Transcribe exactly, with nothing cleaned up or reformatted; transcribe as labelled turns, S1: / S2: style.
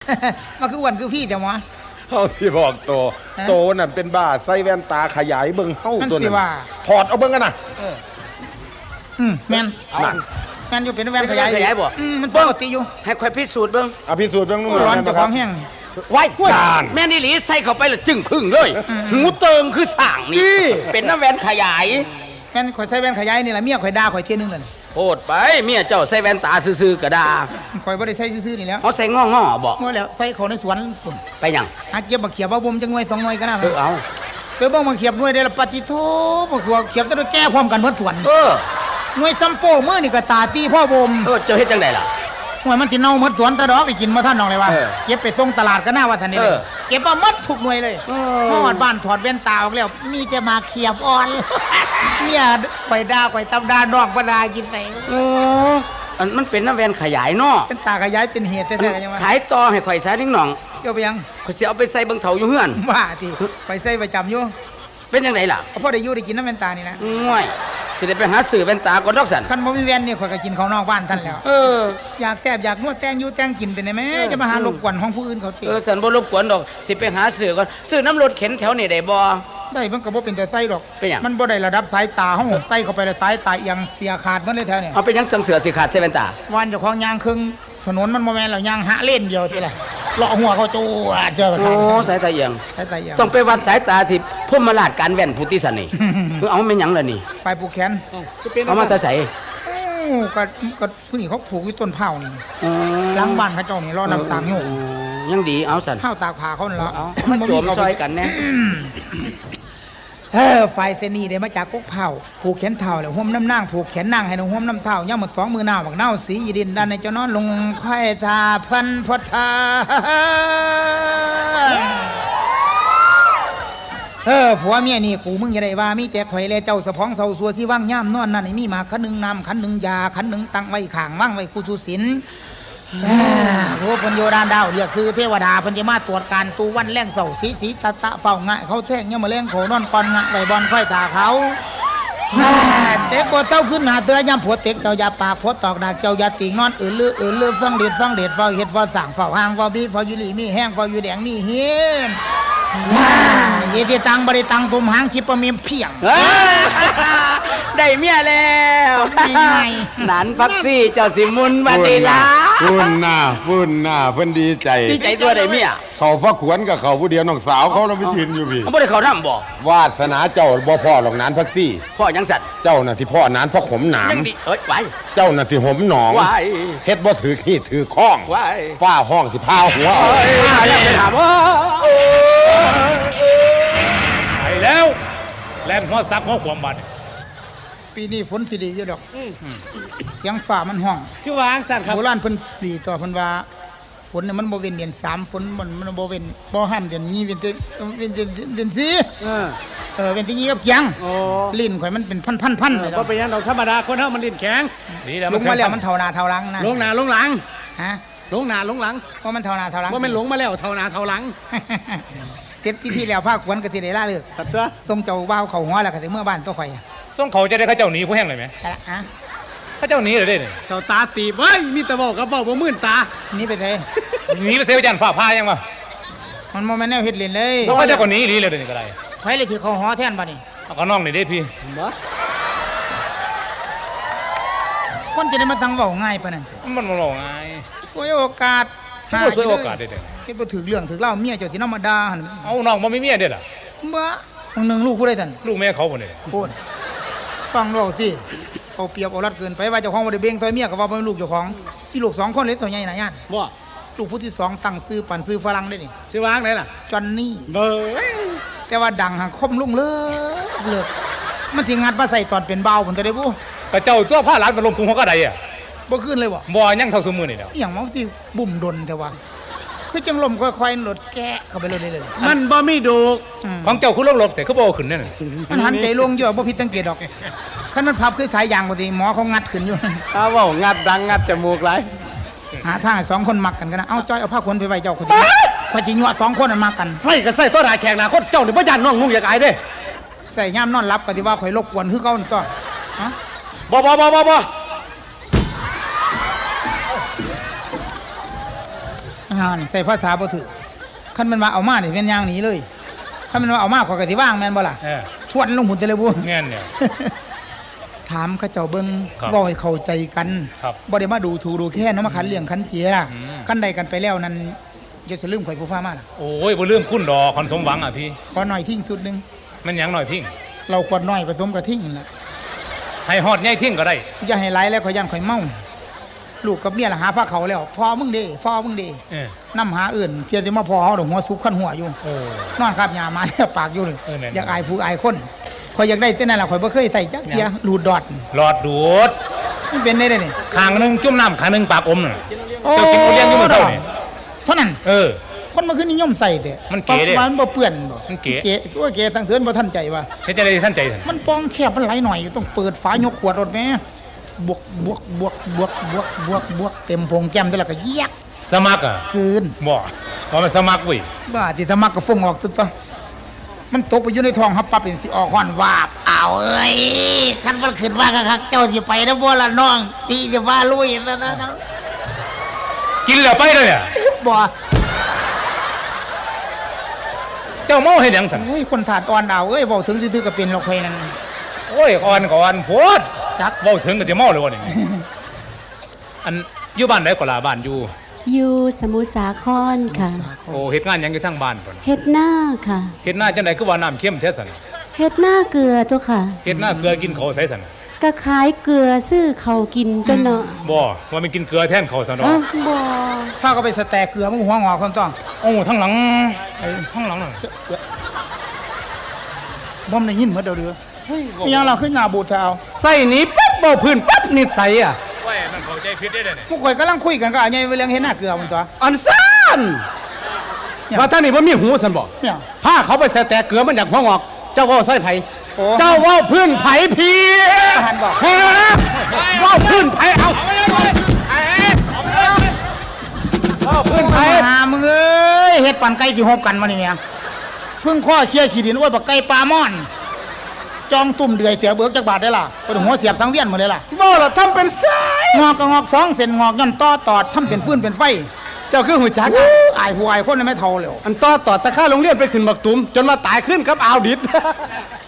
S1: มันคืออ้วนคือพี่แต่หมอ
S2: เฮาที่บอกโตโตนั่นเป็นบ้าใส่แว่นตาขยายเบิ่งเฮาตัวนั้นถอดเอาเบิ่งกันน่ะ
S1: อืมแม่นนั่นแม่นอยู่เป็นแว่นขยาย
S3: ขยายบ่
S1: อืมมันปกติอยู่
S3: ให้ค่อยพิสูจน์เบิ่ง
S2: อ่ะพิสูจน์เบิ่งนู่น
S1: ร้อนเจ้าของแห้ง
S3: ไว้แม่นอีหลีใส่เข้าไปแล้วจึ้งพึ่งเลยหูเติงคือสร้างนี่เป็นน้ำแว่นขยาย
S1: แม่นข่อยใส่แว่นขยายนี่ล่ะเมียข่อยด่าข่อยเที่ยนึงนั่น
S3: โพดไปเมียเจ้าใส่แว่นตาซื่อๆก็ด่า
S1: ข่อยบ่ได้ใส่ซื่อๆนี่แล้ว
S3: เฮาใส่ง้อๆบ่
S1: ง้อแล้วใส่เข้าในสวนปุ่น
S3: ไปหยัง
S1: หาเก็บบักเขียบบ่บ่มจังหน่วยสองหน่วยก็น่า
S3: เออเอา
S1: ไปเบิ่งบักเขียบหน่วยได้ละปฏิโทบักเขียบต้องแก้พร้อมกันหมดสวน
S3: เออ
S1: หน่วยซัมโป้มื้อนี่ก็ตาตีพ่อบ่ม
S3: เออเจ้าเฮ็ดจังได๋ล่ะ
S1: หน่วยมันสิเน่าหมดสวนตะดอกได้กินบ่ทันน้องเลยว่าเก็บไปส่งตลาดก็น่าว่าซั่นนี่เลยเก็บมาหมดทุกหน่วยเลยฮอดบ้านถอดแว่นตาออกแล้วมีแต่มาเขียบอ่อนเมียไปด่าไปตำด่าดอกบ่ด่ากินไส
S3: เอออันมันเป็นน้ำแว่นขยายเนาะ
S1: เป็นตาขยายเป็นเหตุแท้ๆยังว่า
S3: ขายต่อให้ข่อยซะนิ่งหน่อง
S1: เสี่ยวไปยัง
S3: ข่อยสิเอาไปใส่เบิ่งเฒ่าอยู่เฮือน
S1: ว่าติไปใส่ประจำอยู่
S3: เป็นจังไดล่ะ
S1: พอได้อยู่ได้กินน้ำแว่นตานี่นะ
S3: ง่วยสิได้ไปหาซื้อแว่นตาก่อนดอกสัน
S1: คันบ่มีแว่นนี่ข่อยก็กินข้าวนอกบ้านท่านแล้ว
S3: เออ
S1: อยากแซ่บอยากนวดแต่งอยู่แต่งกินเป็นได้แม่จะมาหารบกวนของผู้อื่นเขาติ
S3: เออสันบ่รบกวนดอกสิไปหาซื้อก่อนซื้อน้ำรถเข็นแถวนี่ได้บ่
S1: ได้มันก็บ่เป็นแต่ไส้ดอก
S3: เป็นหยัง
S1: มันบ่ได้ระดับสายตาเฮาใส่เข้าไปแล้วสายตาเอียงเสียขาดมันเลยแถวนี้
S3: เอาไปยังสังเสือสิขาดใส่แว่นตา
S1: วันเจ้าของยางครึ่งถนนมันบ่แม่นแล้วยางหะเล่นเดียวติล่ะเลาะหัวเขาจูเจอ
S3: โอ้สายตาเอียง
S1: สายตาเอียง
S3: ต้องไปวัดสายตาที่พมราชการแว่นพุทธิสันนี่เอาแม่นหยังล่ะนี่
S1: ไฟผูกแขน
S3: เอามาแต่ใส่
S1: ก็ก็ผู้นี้เขาผูกอยู่ต้นเผานี่หลังบ้านเขาเจ้านี่รอน้ำสางโยก
S3: ยังดีเอาสัน
S1: เผาตากผ้าเขานั่นละ
S3: มันโจมซอยกันแน่
S1: เออไฟเซนีได้มาจากกกเผาผูกแขนเท้าแล้วห่มน้ำนางผูกแขนนางให้น้องห่มน้ำเท้าย่ำหมดสองมือหน้าบักเน่าสียีดินด้านในเจ้านอนลงค่อยทาพันพทาเออผัวเมียนี่กูมึงอย่าได้ว่ามีแต่ข่อยเลยเจ้าสะพ้องเสาสัวที่ว่างย่ำนอนนั่นมีมาขันหนึ่งน้ำขันหนึ่งยาขันหนึ่งตั้งไว้ข่างว่างไว้กูสุสินโอ้พันโยดานดาวเรียกซื้อเทวดาพันจะมาตรวจการตูวันแรงเสาสีสีตะตะเฝ้างะเขาแท่งเนี่ยมาแรงโขนอนก่อนงะใบบอลค่อยตาเขาเด็กก็เจ้าขึ้นหาเตือย่ำผัวเต็กเจ้ายาปากผัวตอกดักเจ้ายาติงนอนอื่นลืออื่นลือฟังเด็ดฟังเด็ดฟังเห็ดฟังสั่งฟังหางฟังบีฟังยูรีมีแห้งฟังยูแดงมีเฮียนเยติตังบริตังตุมหางคิปมีเพียง
S3: ได้เมียแล้วนันพักซี่เจ้าสิมุนมาดีละ
S2: ฝุ่นหน้าฝุ่นหน้าเพิ่นดีใจ
S3: ดีใจตัวได้เมีย
S2: เขาพระขวนกับเขาผู้เดียวน้องสาวเขาเราไปทินอยู่พี่
S3: บ่ได้เขานำบ่
S2: วาสนาเจ้าบ่พ่อหรอกนานพักซี่
S3: พ่อยังสัตว์
S2: เจ้าน่ะที่พ่อนานพ่อขมหนาม
S3: เอ้ยไว้
S2: เจ้าน่ะที่หมหนองเฮ็ดบ่ถือขี้ถือข้องฟ้าห้องที่พาหัวเอา
S3: อย่าไปถามว่า
S4: ไปแล้วแล่นหัวซับหัวขวมบัด
S1: ปีนี้ฝนสิดีอยู่ดอกเสียงฟ้ามันห้อง
S4: คือวางสั่นครับ
S1: โบราณเพิ่นตีต่อเพิ่นว่าฝนเนี่ยมันบ่เว้นเดือนสามฝนมันมันบ่เว้นบ่ห้ามเดือนนี้เว้นเดือนเว้นเดือนเดือนสี่เออเออเว้นที่นี้กับเกียงลิ้นข่อยมันเป็นพันๆๆเลย
S4: บ่เป็นหยังดอกธรรมดาคนเฮามันลิ้นแข็ง
S1: ดีแล้วลงมาแล้วมันเท่าหน้าเท่าหลังนะ
S4: ลงหน้าลงหลัง
S1: ฮะ
S4: ลงหน้าลงหลัง
S1: เพราะมันเท่าหน้าเท่าหลัง
S4: ว่ามันหลงมาแล้วเท่าหน้าเท่าหลัง
S1: เต็มที่ที่แล้วภาคขวัญก็สิได้ลาเลิก
S4: ครับตัว
S1: ส่งเจ้าบ่าวเข้าหัวแล้วก็สิเมื่อบ้านตัวข่อย
S4: ส่งเขาจะได้เขาเจ้าหนีผู้แห้งเลยมั้ย
S1: ฮะ
S4: เขาเจ้าหนีเลยเด้นี่
S1: เจ้า
S4: ตาตีเว้ยมีแต่บอกกับเว้าบ่มื่นตา
S1: หนีไปไส
S4: หนีไปเซลยันฟ้าพายังบ่
S1: มันบ่แม่นแนวเฮ็ดเล่นเลย
S4: เขาเจ้าก็หนีหนีเลยเด้นี่ก็ได้
S1: ไผเลยที่เขาหอแทนบัดนี้
S4: เอาก็น้องนี่เด้พี่บ่
S1: คนจะได้มาตั้งเว้าง่ายปานนั้น
S4: มันบ่เว้าง่าย
S1: สวยโอกาส
S4: หาสวยโอกาสเด้
S1: เฮ็ดบ่ถึกเรื่องถึกเล่าเมียเจ้าสินำมาด่าหั่น
S4: เอาน้องบ่มีเมียเด้ล่ะ
S1: บ่มึงนึงลูกผู้ใดท่าน
S4: ลูกแม่เขาบ่นี่
S1: พูดฟังเว้าสิเอาเปรียบเอารัดเกินไปว่าเจ้าของบ่ได้เบ่งซอยเมียก็ว่าเป็นลูกเจ้าของมีลูกสองคนเลยตัวใหญ่น่ะญาติ
S4: บ่
S1: ลูกผู้ที่สองตั้งชื่อปันชื่อฝรั่งได้นี่
S4: ชื่อว่างไหนล่ะ
S1: จอนนี่
S4: เบ้ย
S1: แต่ว่าดังหักคมลุ่งเลิกเลิกมันสิงัดมาใส่ตอนเป็นเบาพุ่นก็ได้บ่
S4: กระเจ้าตัวผ้าหลานมาลงพุงเขาก็ได้อ่ะ
S1: บ่ขึ้นเลยบ่
S4: บ่ยังเท่าซุมื้อนี่แล้ว
S1: อีหยังมันสิบุ่มดนแต่ว่าคือจังลมค่อยๆหลดแกะเข้าไปเลยเลย
S4: มันบ่มีดูของเจ้าคือลงรถแต่คือบ่ขึ้นนั่น
S1: มันหันใจลงอยู่บ่ผิดสังเกตดอกคันมันพับคือสายยางบ่ดีหมอเขางัดขึ้นอยู่
S4: อ้าวเว้างัดดังงัดจมูกหลาย
S1: หาทางให้สองคนมักกันกันนะเอาจ้อยเอาผ้าขนไปไว้เจ้าคนเดียวข่อยสิยั่วสองคนนั้นมักกัน
S4: ใส่ก็ใส่ตัวหน้าแขกหน้าคนเจ้านี่บ่ย่านน้องนุ่งอยากอายเด้
S1: ใส่ย่ามนอนหลับก็สิว่าข่อยรบกวนคือเก่านั่นตัวฮะ
S4: บ่บ่บ่บ่บ่
S1: ห่านี่ใส่ภาษาบ่ถูกคันมันว่าเอามานี่เป็นอย่างนี้เลยคันมันว่าเอามาขอยก็สิว่างแม่นบ่ล่ะ
S4: เออ
S1: ทวนลงหุ่นแต่ละบุ
S4: แง่นเนี่ย
S1: ถามเขาเจ้าเบิ่ง
S4: ครับ
S1: เว้าให้เข้าใจกัน
S4: ครับ
S1: บ่ได้มาดูถูกดูแค่เนาะมาขันเลี้ยงขันเจีย
S4: อืม
S1: คันใดกันไปแล้วนั้นอย่าสลืมข่อยผู้พามาล่ะ
S4: โอ้ยบ่ลืมคุณดอกคนสมหวังอ่ะพี่
S1: ขอหน่อยทิ้งสุดหนึง
S4: มันหยังหน่อยทิ้ง
S1: เราขวดน้อยผสมกับทิ้งล่ะ
S4: ให้ฮอดใหญ่ทิ้งก็ได้
S1: อย่าให้หลายแล้วข่อยย่านข่อยเมาลูกกับเมียล่ะหาพาเขาแล้วพ่อมึงเด้พ่อมึงเด้
S4: เออ
S1: นำหาอื่นเพียงแต่มาพอเฮาดอกหัวสุกขันหัวอยู่
S4: โอ้
S1: นอนครับยามาเนี่ยปากอยู่เลย
S4: เออแน่นอน
S1: อยากอายผู้อายคนข่อยอยากได้แต่นั่นล่ะข่อยบ่เคยใส่จักเทียรูดดอด
S4: หลอดดูด
S1: มันเป็นได้เด้นี่
S4: ข้างหนึงจุ่มน้ำข้างหนึงปากอมน่ะ
S1: โอ้
S4: เจ้ากินทุเรียนอยู่มื้อเช้านี่
S1: เท่านั้น
S4: เออ
S1: คนมาขึ้นนิยมใส่แต่
S4: มันเก๋เด้
S1: มันบ่เปื้อนบ่
S4: มันเก๋
S1: เก๋ว่าเก๋สังเทือนบ่ทันใจว่า
S4: เฮ็ดจะได้ท่านใจท่าน
S1: มันปองแคบมันไหลหน่อยต้องเปิดฝายกขวดรถแม่บวกบวกบวกบวกบวกบวกบวกเต็มโพงแก้มแต่ละก็เยียก
S4: สมัครอ่ะ
S1: เกิน
S4: บ่ว่ามันสมัครเว้ย
S1: บ้าที่ธรรมะก็ฟงออกตึ๊ดตะมันตกไปอยู่ในท้องฮับปั๊บเป็นสิออกฮ้อนวาบอ้าวเอ้ยคันมันขึ้นว่าคักๆเจ้าสิไปนะบ่ล่ะน้องตีจะว่าลุยนะนะนะ
S4: กินแล้วไปเลยอ่ะ
S1: บ่
S4: เจ้าเมาเฮ็ดหยังท่าน
S1: โอ้ยคนถาดอ่อนดาวเอ้ยเว้าถึงซื่อๆก็เป็นหรอกข่อยนั่น
S4: โอ้ยอ่อนก่อนโพด
S1: จัก
S4: เว้าถึงก็จะเมาเลยวะนี่ อันอยู่บ้านไหนก็ล่ะบ้านอยู่
S5: อยู่สมุทรสาครค่ะ
S4: โอ้เฮ็ดงานหยังอยู่ทางบ้านพุ่น
S5: เฮ็ดหน้าค่ะ
S4: เฮ็ดหน้าจังไดคือว่าน้ำเค็มแท้ซั่น
S5: เฮ็ดหน้าเกลือตัวค่ะ
S4: เฮ็ดหน้าเกลือกินข้าวใส่ซั่น
S5: ก็ขายเกลือซื้อเขาวกินตัวเนาะ
S4: บ่ว่ามันกินเกลือแทนข้าวซะ
S5: เอ้า
S4: เนาะ
S5: บ่
S1: ถ้าก็ไปสแตกเกลือมึงหัวงอกคนต้อง
S4: โอ้ทั้งหลังไอ้ทั้งหลังน่ะ
S1: บ่มได้ยินหมดเด้อเด้ออีหยังเราขึ้นหน้าบูดเท้า
S3: ใส่หนี้ปั๊บเบาพื้นปั๊บนิสัยอ่ะ
S4: โอ้ยมันเข้าใจผิดได้เด้อนี่
S1: พวกข่อยกำลังคุยกันก็อันใหญ่เรื่องเห็นหน้าเกลือมันตัว
S3: อันซ่านว่าท่านนี่บ่มีหูสันบอก
S1: เนี่ย
S3: ผ้าเขาไปใส่แต่เกลือมันอยากหัวงอก เจ้าเว่าใส่ไผ
S1: โอ้
S3: เจ้าเว่าพื้นไผพี
S1: หันบอก
S3: ฮะเว่าพื้นไผเอาเว่าพื้นไผ
S1: หามึงเอ้ยเฮ็ดปั่นไก่ที่หบกันมานี่แม่เพิ่งข้อเคี่ยขี้ดินโอ้ยบักไก่ปลาม่อน จองตุ่มเดือยเสียเบิกจักบาทได้ล่ะเป็นหัวเสียบสังเวียนหมดเลยล่ะ
S3: บ่ล่ะทำเป็นสาย
S1: งอกก็งอกสองเส้นงอกย่อนต่อตอดทำเป็นฟืนเป็นไฟ
S3: เจ้าคือหัวจักอะ
S1: อายผู้อายคนนั้นไม่เท่าเลย
S3: อันต่อต่อตะค่าโรงเรียนไปขึ้นบักตุ้มจนมาตายขึ้นครับอาวดิด